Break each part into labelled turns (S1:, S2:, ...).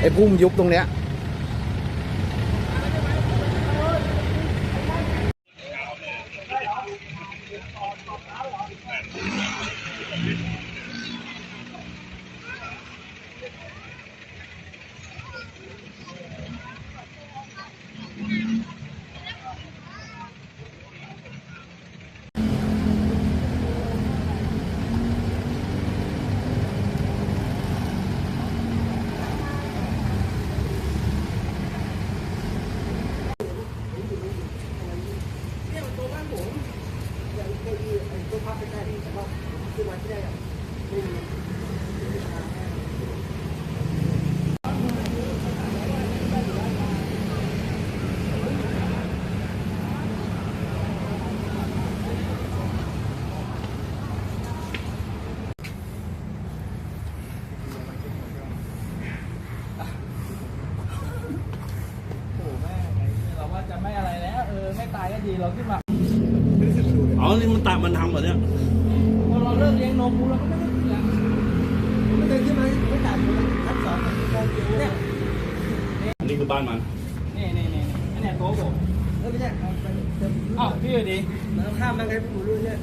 S1: ไอ้พุ่มยุบตรงเนี้ย
S2: ไม่อะไรแล้วไม่ตายก็ดีเราขึ้นมา
S3: อ๋อนี่มันตัดมันทำเหรอเนี่ย
S2: พอเราเลิกเลี้ยงนมเราก็ไม่ได้ขึ้นแล้ว
S4: ไม่เคยขึ้นมาไม่ตัดชั้น2เนี่ย
S3: อันนี้คือบ้านมัน
S2: นี่อันนี้โต๊ะผม
S4: ไม่ใช่
S2: อ้าวพี่อยู่ดี
S4: เราข้ามมาไงผมรู้เนี่ย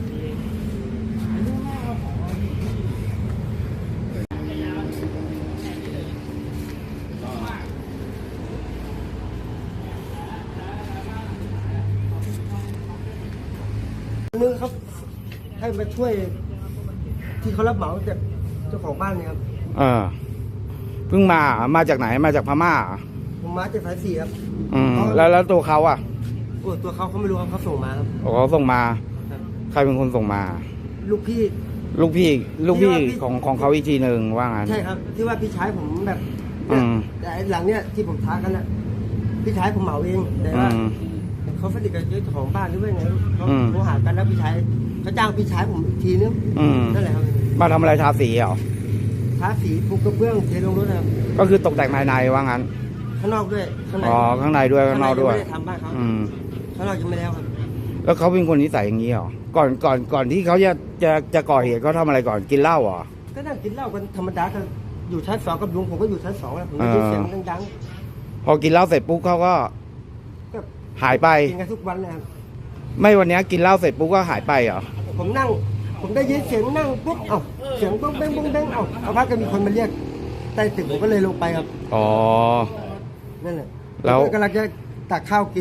S4: นึงเขาให้มาช่วยที่เขารับเหมาจากเจ้าของบ้านเนี่ยครับ
S1: เพิ่งมาจากไหนมาจากพม่า
S4: ผมมาจากสายสี่ครับ
S1: แล้วตัวเขาอ่ะ
S4: โอ้ตัวเขาไม่รู้ครับเขาส่งมาครับ
S1: เขาส่งมาใครเป็นคนส่งมา
S4: ลูกพี่
S1: ของเขาอีกทีหนึ่งว่างั้น
S4: ใช่ครับที่ว่าพี่ชายผมแบบแต่หลังเนี้ยที่ผมท้ากันน่ะพี่ชายผมเหมาเองแต่ว่าเขาสนิทกับเจ้าของบ้านด้วยไงเขาหากันแล้วพี่ชายเขาจ้างพี่ชายผมอีกทีนึงนั่นแหละครับ
S1: มาทำอะไรทาสีเหรอ
S4: ทาสีปูกระเบื้องเทลงรถนะครับ
S1: ก็คือตกแต่งภายในว่างั้น
S4: ข้างนอกด้วยข้างใน
S1: ข้างในด้วยข้างนอกด้วย
S4: ไม่ได้ทำบ้านเขาข้างนอกยังไม่แล้วครับ
S1: แล้วเขาเป็นคนนิสัยอย่างนี้เหรอก่อนที่เขาจะก่อเหตุเขาทำอะไรก่อนกินเหล้าเหรอ
S4: ก็นั่งกินเหล้ากันธรรมดากันอยู่ชั้น2กับลุงผมก็อยู่ชั้น2แล้วผมได้ยินเสียงดัง
S1: พอกินเหล้าเสร็จปุ๊บเขาก็หายไป
S4: กินกันทุกวันเลยครับ
S1: ไม่วันนี้กินเหล้าเสร็จปุ๊บก็หายไปเหรอ
S4: ผมได้ยินเสียงนั่งปุ๊บเสียงบ้งเบ้งเอาพักก็มีคนมาเรียกใต้ตึกผมก็เลยลงไปครับนั่นแหละแล้วกำลังจะตักข้าวกิน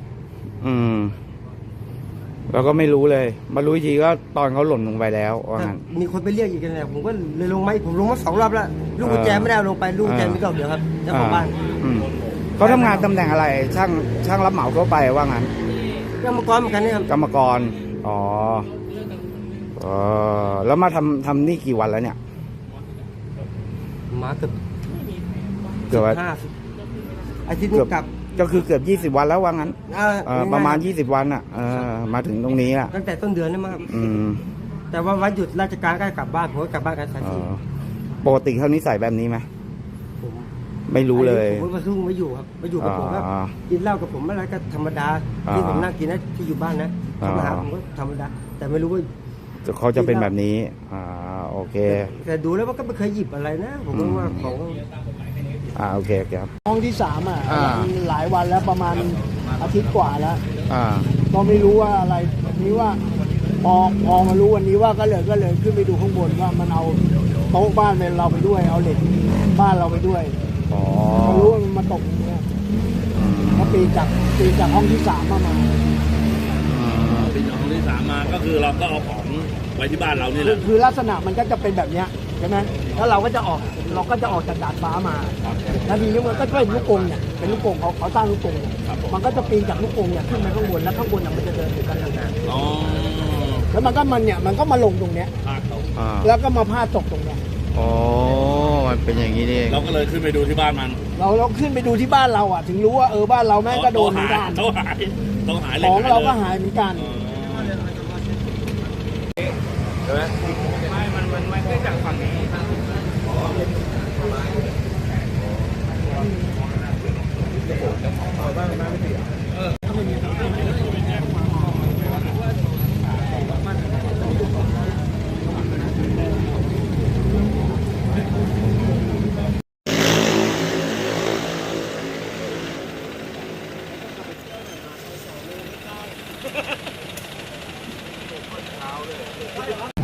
S1: เราก็ไม่รู้เลยมารู้ทีก็ตอนเขาหล่นลงไปแล้วว่างั้น
S4: มีคนไปเรียกอีกแล้วผมก็เลยลงมาผมลงมา2 รอบแล้วลูกกุญแจไม่ได้ลงไปลูกกุญแจมีดอกเดียวครับเจ้าของบ้าน
S1: เขาทำงานตำแหน่งอะไรช่างรับเหมาเขาไปว่างั้น
S4: กรรมกรเหมือนกันนี่ครับ
S1: กรรมกรแล้วมาทำนี่กี่วันแล้วเนี่ย
S4: มาเกือบอาทิตย์นึงกลับ
S1: ก็คือเกือบ20 วันแล้วว่างั้นประมาณ20 วันมาถึงตรงนี้
S4: ตั้งแต่ต้นเดือนนี่มั้งแต่ว่าวันหยุดราชการก็กลับบ้านผมก็กลับบ้านกันทันที
S1: ปกติเขานิสัยแบบนี้ไหมไม่รู้เลย
S4: ผมมาซุ่งไม่อยู่ครับมาอยู่กับผมก็กินเหล้ากับผมอะไรก็ธรรมดาที่ผมนั่งกินนะที่อยู่บ้านนะเขามาหาผมก็ธรรมดาแต่ไม่รู้ว่า
S1: เขาจะเป็นแบบนี้โอเค
S4: แต่ดูแล้วว่าก็ไม่เคยหยิบอะไรนะผมว่าของ
S1: โอเคครับ
S2: ห้องที่3หลายวันแล้วประมาณอาทิตย์กว่าแล้วก็ไม่รู้ว่าอะไรนี้ว่าพอมารู้วันนี้ว่าก็เลยขึ้นไปดูข้างบนว่ามันเอาโต๊ะบ้านเราไปด้วยเอาเหล็กบ้านเราไปด้วยพอรู้ว่ามันมาตกอย่างเงี้ยเขาปีจากห้องที่3มา
S3: ปีจากห้องที่3มาก็คือเราก็เอาของไว้ที่บ้านเรานี่แหละ
S2: คือลักษณะมันก็จะเป็นแบบเนี้ยใช่ไหมแล้วเราก็จะออกจากดาดฟ้ามาแล้วทีนี้มันก็เป็นลูกกรงเนี่ยเป็นลูกกรงเขาสร้างลูกกรงมันก็จะปีนจากลูกกรงเนี่ยขึ้นมาข้างบนแล้วข้างบนมันจะเดินอยู่กันนานๆแล้วมันก็มาลงตรงเนี้ยแล้วก็มาพาดตกตรงเนี้ย
S1: มันเป็นอย่างนี้นี่
S3: เราก็เลยขึ้นไปดูที่บ้านมัน
S2: เราขึ้นไปดูที่บ้านเราถึงรู้ว่าบ้านเราแม่งก็โดนเหมือนกัน
S3: ต้องหาย
S2: ของเราก็หายเหมือนกัน
S3: ใช่ไหมไม่ได้จากฝั่งนี้เลย